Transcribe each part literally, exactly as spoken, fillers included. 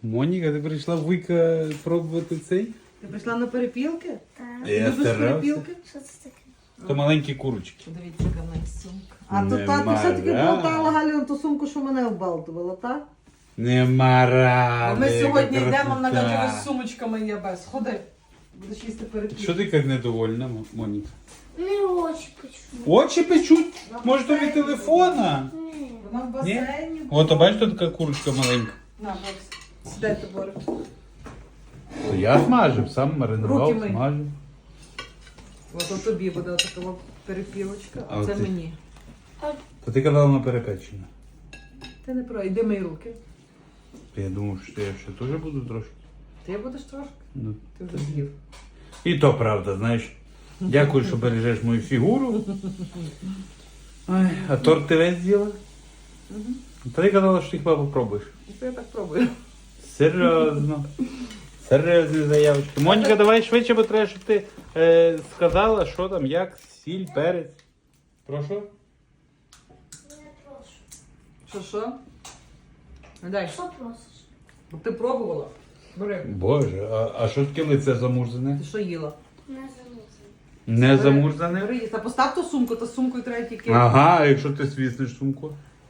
Моніка, ти прийшла вуйка пробувати цей? Ти прийшла на перепілки? Так. Я Любиш старався. перепілки? Що це таке? То маленькі курочки. Подивіться, яка в неї сумка. А то Нема та, ти все-таки рад. болтала, Галю, ту сумку, що мене оббалтувала, так? Нема ради. А ми сьогодні яка йдемо на красота. гаджево з сумочками є без. Ходи, будеш їсти перепілки. Що ти як недовольна, Мо- Моніка? Не очі печу. Очі печуть? Може то від телефона? Ні. Вона в басейні. От, а бачиш, тут така курочка маленька. На, Борис, сідайте, Борис. То я смажив, сам маринував, Руки мий. смажив. От от тобі буде така перепілочка, А а це от ти- мені. То ти казала на перепечення. Ти не про, йди мої руки. То я думав, що я ще теж буду трошки. Ти будеш трошки? Ну. Ти вже з'їв. І то правда, знаєш. Дякую, що бережеш мою фігуру. Ой, а торт ти весь з'їла? Та ти казала, що ти хіба попробуєш. Ну, то я так пробую. Серйозно. Серйозні заявочки. Моніка, давай швидше, бо треба, щоб ти е, сказала, що там, як, сіль, перець. Прошу? Не прошу. Що, що? Ну, дай. Що просиш? Бо ти пробувала. Бери. Боже, а, а що таке лице замурзане? Ти що їла? Не замусив. Не Бери. замурзане? Бери, їсти. Та постав ту сумку, та сумкою треба тільки. Ага, а якщо ти свіснеш сумку?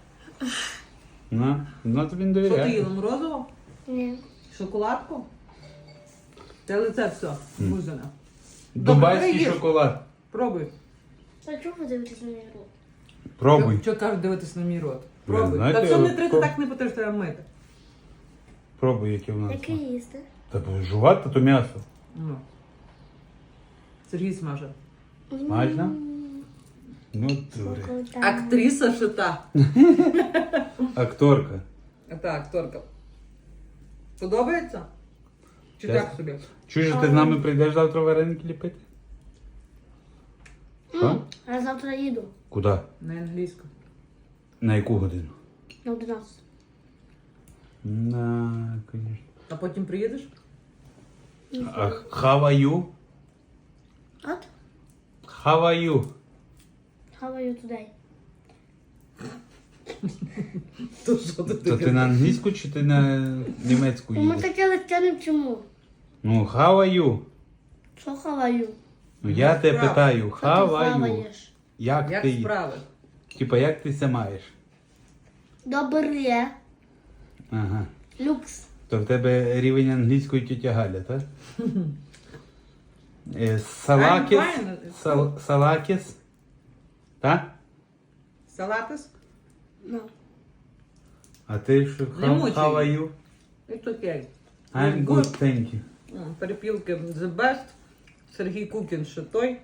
На, на тобі не Що ти довіряє. їла? Морозиво? Ні. Шоколадку? Те лице все, музане. Дубайський Добре, їж. шоколад. Пробуй. А чого ви дивитесь на мій рот? Пробуй. Що кажуть дивитись на мій рот? Ви Пробуй. знаєте, Та все не от треба, про- так не потрібно, треба мити. Пробуй, яке в нас. Яке їсти? Та бо жувати то м'ясо. Ну. Сергій смаже. Смачно? Ну, дури. Актриса шита. Акторка. А та акторка. Подобається? Чи Чесно. так собі? Чуєш, ти з нами прийдеш завтра вареники ліпити? Що? Я завтра їду Куди? На англійську. На яку годину? на одинадцяту. На, звісно. А потім приїдеш? А how are you? От? How are you? How are you today? То що ти То ти на англійську чи ти на німецьку Ми їдеш? таке легке не вчимо. Ну, how are you? Що how are you? Ну, я тебе Справа. питаю, Що how ти are you? хаваєш? Як Як ти? справи? Типа, як ти ся маєш? Добре. Ага. Люкс. То в тебе рівень англійської тітя Галя, так? Е, Салакіс. I'm fine. Сал- Салакіс. Так? Салатис? Ну. А ти що? Не How, мучай. how are you? It's okay. I'm good, thank you. М, Перепілки the best. Сергій Кукін ще той.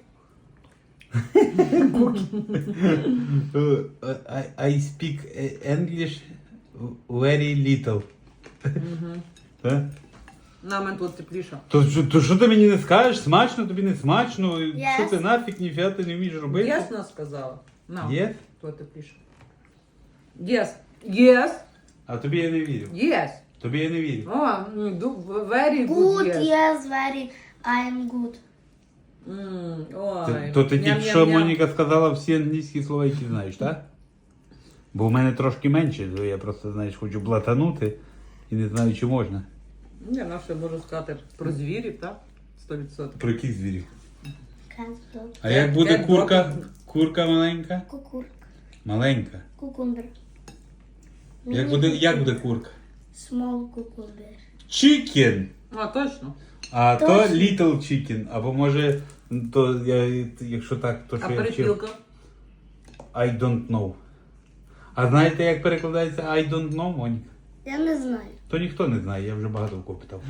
Uh, I, I speak English very little. Так? На мене тут тепліше. То, що- то що ти мені не скажеш? Смачно, тобі не смачно? Yes. Що ти нафіг, ніфіга ти не вмієш робити? Ясно сказала. На, Є? тут тепліше. Yes. Yes. А тобі я не вірю. Yes. Тобі я не вірю. О, м, ду- very good, Good, yes. yes, very. I am good. М, Ти- Ой. То ти тільки Ням-ням-ням. що Моніка сказала всі англійські слова, які знаєш, так? Бо в мене трошки менше, то я просто, знаєш, хочу блатанути і не знаю, чи можна. Я на що можу сказати про звірів, так? Сто відсотків. Про яких звірів? Cat, dog. А як буде Як курка? добре. Курка маленька? Кукурка. Маленька. Кукумбер. Як буде, як буде курка? Small cucumber. Chicken! А, точно. А то Точно. little chicken. Або може, то я, якщо так, то А що я вчив. перепілка? I don't know. А знаєте, як перекладається I don't know, Моніка? Я не знаю. То ніхто не знає, я вже багато в кого питав.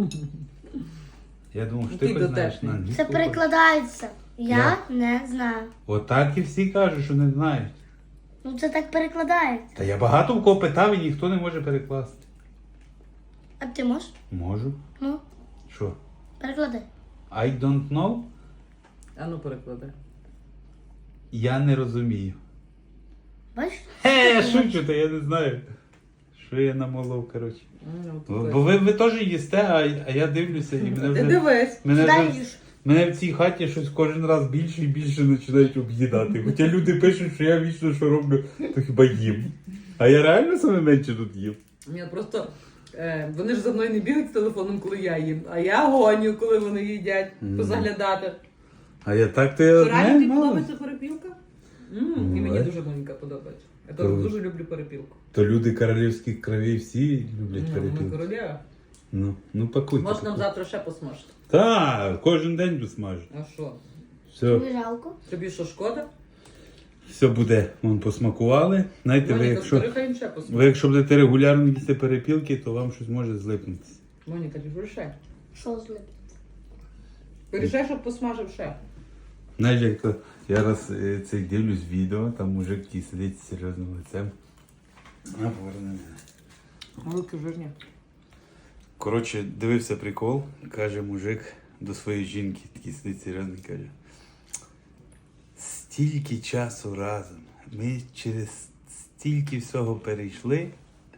Я думав, що ти Ти хоч знаєш дотепний. на англійську. Це перекладається. Я Як? не знаю. Отак і всі кажуть, що не знають. Ну це так перекладається. Та я багато в кого питав і ніхто не може перекласти. А ти можеш? Можу. Ну, Що? перекладай. I don't know? А ну перекладай. Я не розумію. Бачиш? Хе, шучу, та я не знаю. Що я намолов, коротше. Ну, Бо тут бо ви, ви теж їсте, а, а я дивлюся і мене Ти вже... дивись. Мене, Дай вже- їж. мене в цій хаті щось кожен раз більше і більше починають об'їдати. Хоча люди пишуть, що я вічно що роблю, то хіба їм. А я реально саме менше тут їм. Ні, просто е, вони ж за мною не бігають з телефоном, коли я їм, а я гоню, коли вони їдять, Мгм. позаглядати. А я так то я Що реально знаю, тобі мало. подобається перепілка? М, І мені Буває. дуже маленька подобається. Я То- теж дуже люблю перепілку. То люди королівських кровей всі люблять Ну, ми перепілки. королева. Ну, ну пакуйте. Може нам пакуйте. завтра ще посмажити. Так, кожен день досмажу. А що? Все, Тобі жалко? Тобі що, шкода? все буде. Вон посмакували. Знаєте, ви Моніка, якщо, скажи, хай їм ще посмажити. ви якщо будете регулярно їсти перепілки, то вам щось може злипнутися. Моніка, ти порішай. Що злип? Порішай, щоб посмажив ще. Знаєш, як то я раз е, цей дивлюсь відео, там мужик такий сидить з серйозним лицем. А, поверни мене. Великі жирні. Коротше, дивився прикол, каже мужик до своєї жінки, такий сидить серйозний, каже. Стільки часу разом, ми через стільки всього перейшли,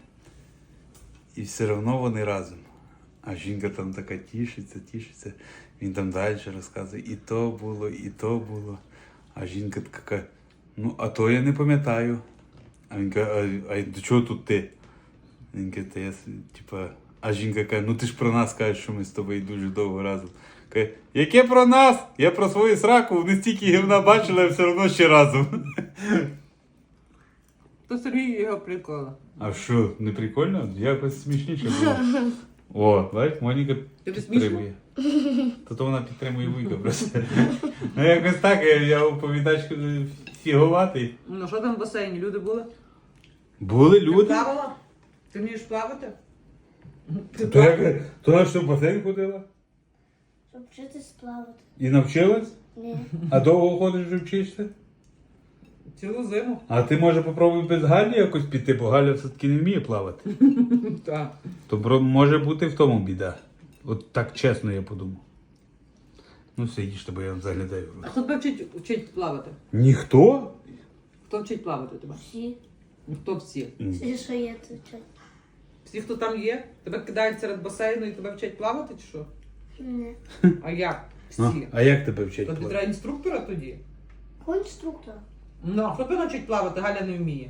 і все одно вони разом. А жінка там така тішиться, тішиться. Він там далі розказує, і то було, і то було. А жінка така каже, ну, а то я не пам'ятаю. А він каже, а, а до чого тут ти? Він каже, та я, с- типа, а жінка каже, ну ти ж про нас кажеш, що ми з тобою дуже довго разом. Каже, яке про нас? Я про свою сраку, вони стільки гівна бачили, а все одно ще разом. То Сергій його прикола. А що, не прикольно? Якось смішніше було. О, бачиш, Моніка Тобі підтримує. То то вона підтримує вуйка просто. Ну якось так, я, я оповідачку фігуватий. Ну що там в басейні? Люди були? Були Ти люди. плавала? Ти вмієш плавати? Ти То, як, то на що в басейн ходила? Щоб вчитись плавати. І навчилась? Ні. А довго ходиш вже вчишся? Цілу зиму. А ти може попробуй без Галі якось піти, бо Галя все-таки не вміє плавати. Так. То бро- може бути в тому біда. От так чесно я подумав. Ну все, їжте, бо я вам заглядаю в А рот. хто тебе вчить, вчить плавати? Ніхто? Хто вчить плавати тебе? Всі. Ну, хто всі? Всі, що є, це вчать. Всі, хто там є? Тебе кидають серед басейну і тебе вчать плавати чи що? Ні. А як? А, Всі. а як тебе вчать То тобі плавати? треба інструктора тоді? Конструктор. Ну, а хто тебе навчить плавати? Галя не вміє.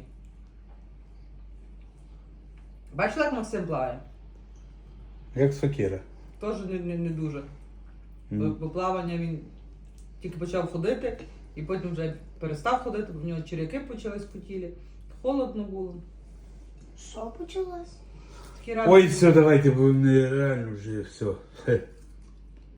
Бачила, як Максим плаває? Як сокира. Теж не, не, не дуже. Бо, Ну. бо плавання він тільки почав ходити, і потім вже перестав ходити, бо в нього черяки почались по тілі. Холодно було. Що почалось? Такі разі- Ой, все, давайте, бо нереально вже все. Хе.